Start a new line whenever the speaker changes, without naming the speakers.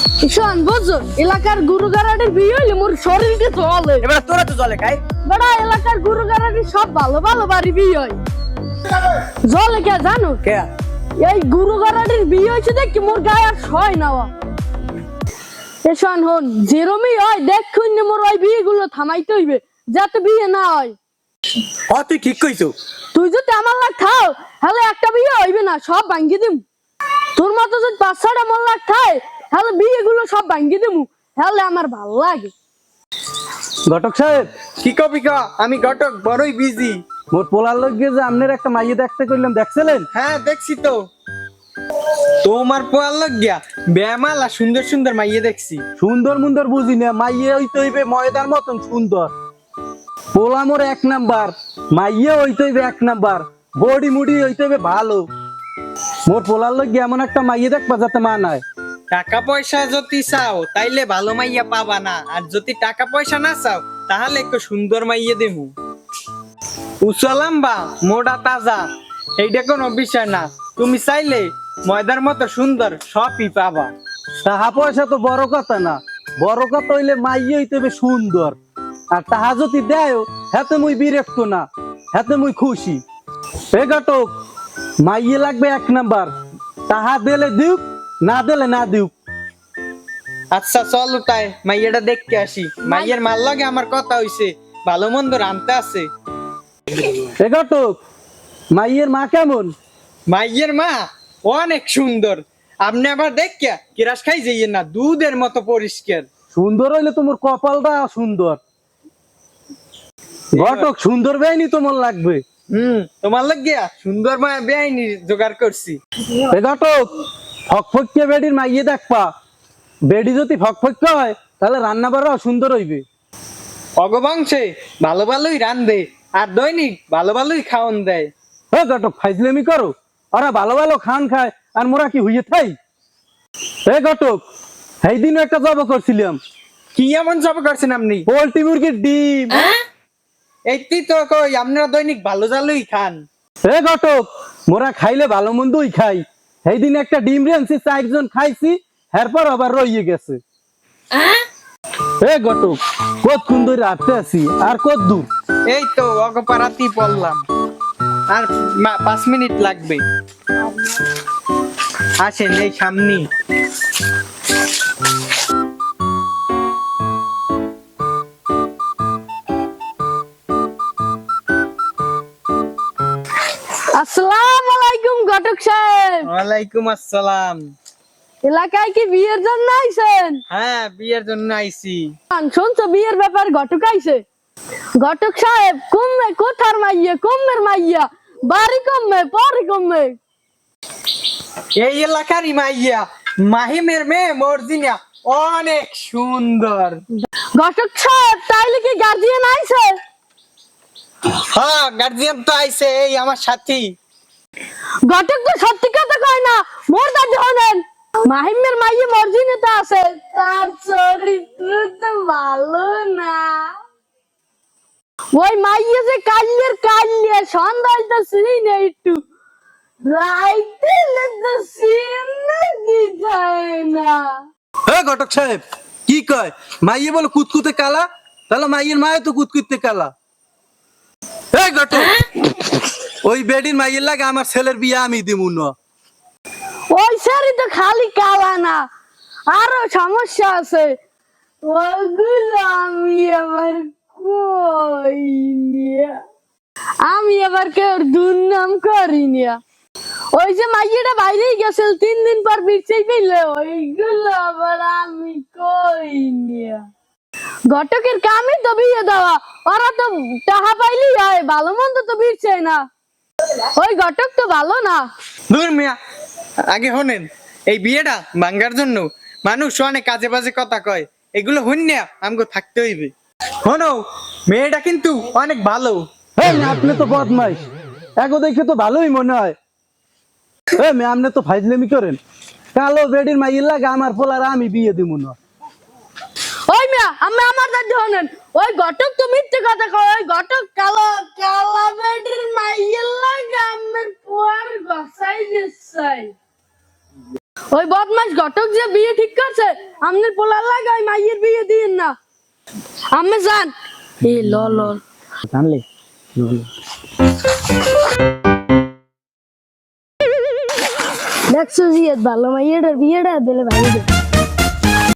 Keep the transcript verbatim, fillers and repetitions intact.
শোন বুঝছো এলাকার গুরু গারাটির বিয়ে হইলে মোর শরীরকে চলে।
এবার তোরা তো জলে খাই
বড় এলাকার গুরু গারাটির সব ভালো ভালো বাড়ি বিয়ে হয়। জলে কে জানো
কে
এই গুরু গারাটির বিয়ে হয়েছে দেখি মোর গায়ে আর সয় নাওয়া। এ শোন হন যেরমই হয় দেখুন মোর ওই বিয়ে গুলো থামাইতে হইবে যাতে বিয়ে না হয়।
হ তুই ঠিক কইছো।
তুই যদি আমার লাগ খাও তাহলে একটা বিয়ে হইবে না, সব ভাঙ্গি দিম। তোর মতো যদি পাঁচ ছটা মন লাগ খায় তাহলে বিয়ে গুলো সব ভাঙ্গি দিমু, তাহলে আমার ভালো লাগে।
ঘটক সাহেব,
কি কবি ক আমি ঘটক বড়ই বিজি।
মোর পোলার লগে যে আমনের একটা মাইয়ে দেখতে কইলাম, দেখছিলেন?
হ্যাঁ দেখছি তো, তোমার পোয়াল লাগিয়া বেমালা সুন্দর সুন্দর মাইয়ে দেখছি।
সুন্দর মুন্দর বুঝি না, মাইয়ে হইতে হইবে ময়দার মতন সুন্দর। পোলা মোর এক নাম্বার, মাইয়ে হইতে হইবে এক নাম্বার, বডি মুডি হইতে হইবে ভালো। মোর পোলার লগে এমন একটা মাইয়ে দেখবা যাতে মানায়।
টাকা পয়সা যদি চাও তাইলে ভালো মাইয়া পাবা না, আর যদি টাকা পয়সা না চাও তাহলে একটু সুন্দর মাইয়া দেবো। উসালাম্বা মোটা তাজা এইটা কোনো বিষয় না, তুমি চাইলে ময়দার মতো সুন্দর সবই পাবা।
টাকা পয়সা তো বড় কথা না, বড় কথা হইলে মাইয়ে হইতে হইবে সুন্দর। আর তাহা যদি দেয় হাতে মুই বিরক্ত না, হাতে মুই খুশি। এ ঘটক, মাইয়ে লাগবে এক নাম্বার, তাহা দিলে দিউক, না দিলে না দিউক।
আচ্ছা চলো তাই মাইয়াটা দেখতে আসি। মাইয়ের মাল লাগে আমার কথা হইছে, ভালো মন্দ রানতে আছে।
এ ঘটক, মাইয়ের মা কেমন?
মাইয়ের মা অনেক সুন্দর, আপনি আবার দেখিয়া কিরাস খাই যাইয়েন না, দুধের মতো পরিষ্কার।
সুন্দর হইলে তোমার কপালটা সুন্দর। ঘটক, সুন্দর বেআইনি তোমার লাগবে।
হুম তোমার লাগিয়া সুন্দর মা বেআইনি জোগাড় করছি।
এ ঘটক, ফকফকিয়ে বেডির মাইয়ে দেখবা, বেডি যদি ফকফক হয় তাহলে রান্না বাড়াও সুন্দর হইবে।
অগবংশে ভালো ভালোই রান্ধে আর দৈনিক ভালো ভালোই খাওয়ান দেয়।
ও ঘটক, ফাইজলামি করো, ওরা ভালো ভালো খান খায় আর মোরা কি হইয়ে থাই? এ ঘটক, সেই দিনও একটা জব করছিলাম।
কি এমন জব করছেন আপনি?
পোল্ট্রি মুরগির ডিম।
এইটি তো কই আপনারা দৈনিক ভালো জালোই খান।
এ ঘটক, মোরা খাইলে ভালো মন্দই খাই। সেই দিন একটা ডিম রেনছি, চারজন খাইছি, এরপর আবার রইয়ে গেছে। এ ঘটক, কত সুন্দর রাখতে আছি, আর কত দূর?
এই তো অগপারাতি পড়লাম, আর মা- পাঁচ মিনিট লাগবে। আসেন এই সামনে।
আসসালামু আলাইকুম ঘটক সাহেব।
ওয়ালাইকুম আসসালাম।
এলাকায় কি বিয়ের জন্য আইছেন?
হ্যাঁ বিয়ের জন্য আইছি।
শুনছো বিয়ের ব্যাপার ঘটক আইছে। ঘটক সাহেব কমবে কোথার মাইয়া, কমের মাইয়া, বাড়ি কমবে পরে কমবে।
এই এলাকারই মাইয়া মাহিমের মেয়ে মর্জিনা অনেক সুন্দর।
ঘটক সাহেব তাইলে কি গার্জিয়ান আইছে?
হ্যাঁ গার্জিয়ান তো আইছে, এই আমার সাথী।
ঘটক তো সত্যি কথা কয় না, মোর দাদি হনেন। মাহিমের মাইয়ে মর্জিনাতে আছে, তার চরিত্র তো ভালো না। ওই মাইয়ে যে কাল্যের কাল্যে সন্ধ্যায় তো শুনি না, একটু রাইতে তো সিন নাকি যায় না।
এ ঘটক সাহেব, কি কয়? মাইয়ে বলে কুতকুতে কালা, তাহলে মাইয়ের মায়ে তো কুতকুতে কালা। এই ঘটক, ওই বেডির মাইয়ের লাগে আমার ছেলের বিয়ে আমি দিমু না।
ওই শাড়ি তো খালি কালা না, আরো সমস্যা আছে। ওগুলো আমি আবার কই নিয়া, আমি আবার কেউ দুর্নাম করি নিয়া। ওই যে মাইয়াটা বাইরেই গেছে তিন দিন পর বিরছেই পেলে, ওইগুলো আবার আমি কই নিয়া। ঘটকের কামই তো বিয়ে দেওয়া, ওরা তো টাকা পাইলেই হয়, ভালো মন্দ তো বিরছে না। ওই ঘটক তো ভালো না।
দূর মিয়া, আগে হনেন এই বিয়েটা ভাঙ্গার জন্য মানুষ অনেক কাজে বাজে কথা কয়, এগুলো হইন না আমাকে থাকতে হইবে। হনো মেয়েটা কিন্তু অনেক ভালো।
এই না, আপনি তো বদমাইশ, এগো দেখে তো ভালোই মনে হয়। এ মে, আপনি তো ফাইজলামি করেন। কালো বেডির মাইয়ের লাগে আমার পোলার আমি বিয়ে দিমু না।
ওই মিয়া আমি আমার দাদি হনেন, ওই ঘটক তো মিথ্যে কথা কয়। ওই ঘটক কালো কালা বেডির মাইয়ের লাগে আমার পোয়ার গসাই দিছাই। ওই বদমাস ঘটক যে বিয়ে ঠিক করছে আমনের পোলা লাগাই মাইয়ের বিয়ে দিন না আমি জান এ ল ল
জানলে
দেখছো জিয়াদ ভালো মাইয়ের বিয়েটা দিলে ভাই